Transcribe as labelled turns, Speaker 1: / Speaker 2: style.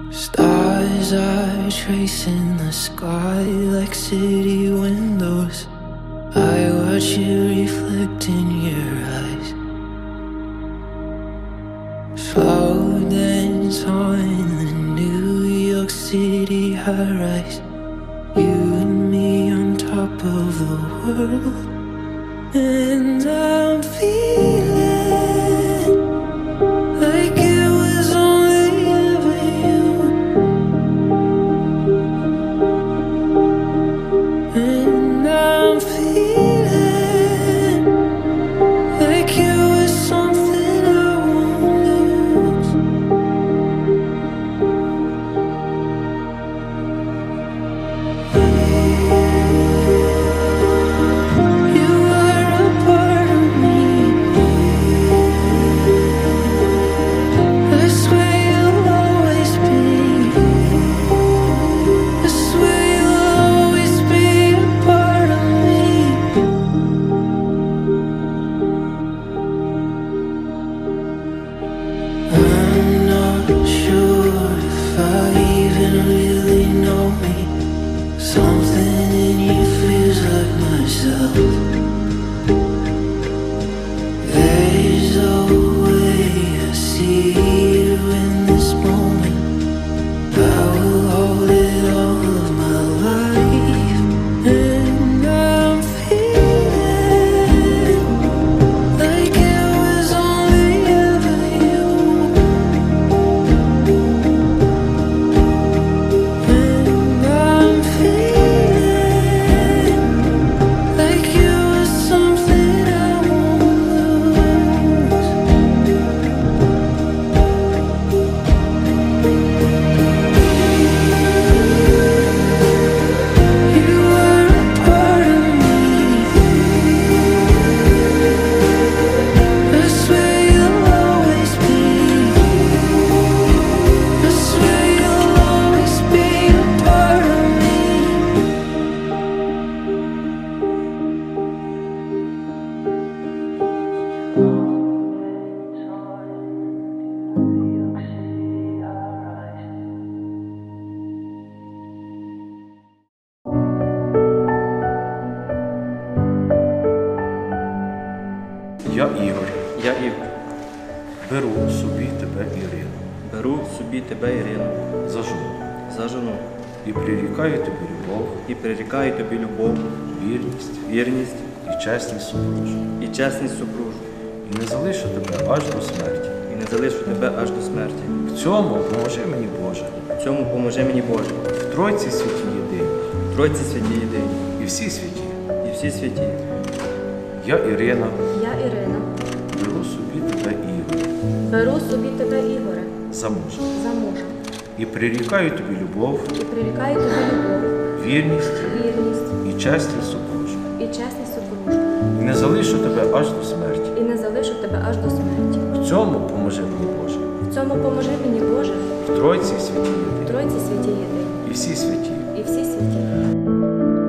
Speaker 1: Stars are tracing the sky like city windows. I watch you reflect in your eyes. Slow dance on the New York City high-rise. You and me on top of the world. And I'm feeling like it was only ever you. And I'm feeling like it was something I won't lose. You are a part of me. I swear you'll always be. I swear you'll always be a part of me. I'm not sure if I even really know me. Something in you feels like myself. There's a way I see you in this moment. I will hold it all of my life. And I'm feeling like it was only ever you. And I'm feeling like it was something I won't lose. You are a part of me. I swear you'll always be. I swear you'll always be a part of me.
Speaker 2: Я Ігор,
Speaker 3: Я Ігор,
Speaker 2: беру собі тебе, Ірину,
Speaker 3: беру собі тебе, Ірину,
Speaker 2: за жону
Speaker 3: за жону
Speaker 2: і прирікаю тобі любов,
Speaker 3: і прирікаю тобі любов,
Speaker 2: вірність
Speaker 3: вірність
Speaker 2: і чесність супружу,
Speaker 3: і чесність супружу,
Speaker 2: і не залишу тебе аж до смерті.
Speaker 3: і не залишу тебе аж до смерті.
Speaker 2: В цьому поможи мені, Боже,
Speaker 3: В цьому поможи мені Боже,
Speaker 2: в Тройці святі єдині
Speaker 3: в Тройці святі єдині
Speaker 2: і всі святі.
Speaker 3: і всі святі.
Speaker 2: Я Ірина,
Speaker 4: Я Ірина,
Speaker 2: беру собі тебе, Ігор,
Speaker 4: беру собі тебе, Ігоре,
Speaker 2: за мужа
Speaker 4: за мужа
Speaker 2: і прирікаю тобі любов,
Speaker 4: і прирікаю тобі любов,
Speaker 2: вірність
Speaker 4: вірність
Speaker 2: і чесність супружу,
Speaker 4: і чесність супружу,
Speaker 2: і не залишу тебе аж до смерті.
Speaker 4: і не залишу тебе аж до смерті.
Speaker 2: В цьому поможи мені, Боже,
Speaker 4: В цьому поможи мені, Боже,
Speaker 2: в Тройці святі
Speaker 4: в
Speaker 2: єдині
Speaker 4: Тройці святі єдині
Speaker 2: і всі святі.
Speaker 4: і всі святі.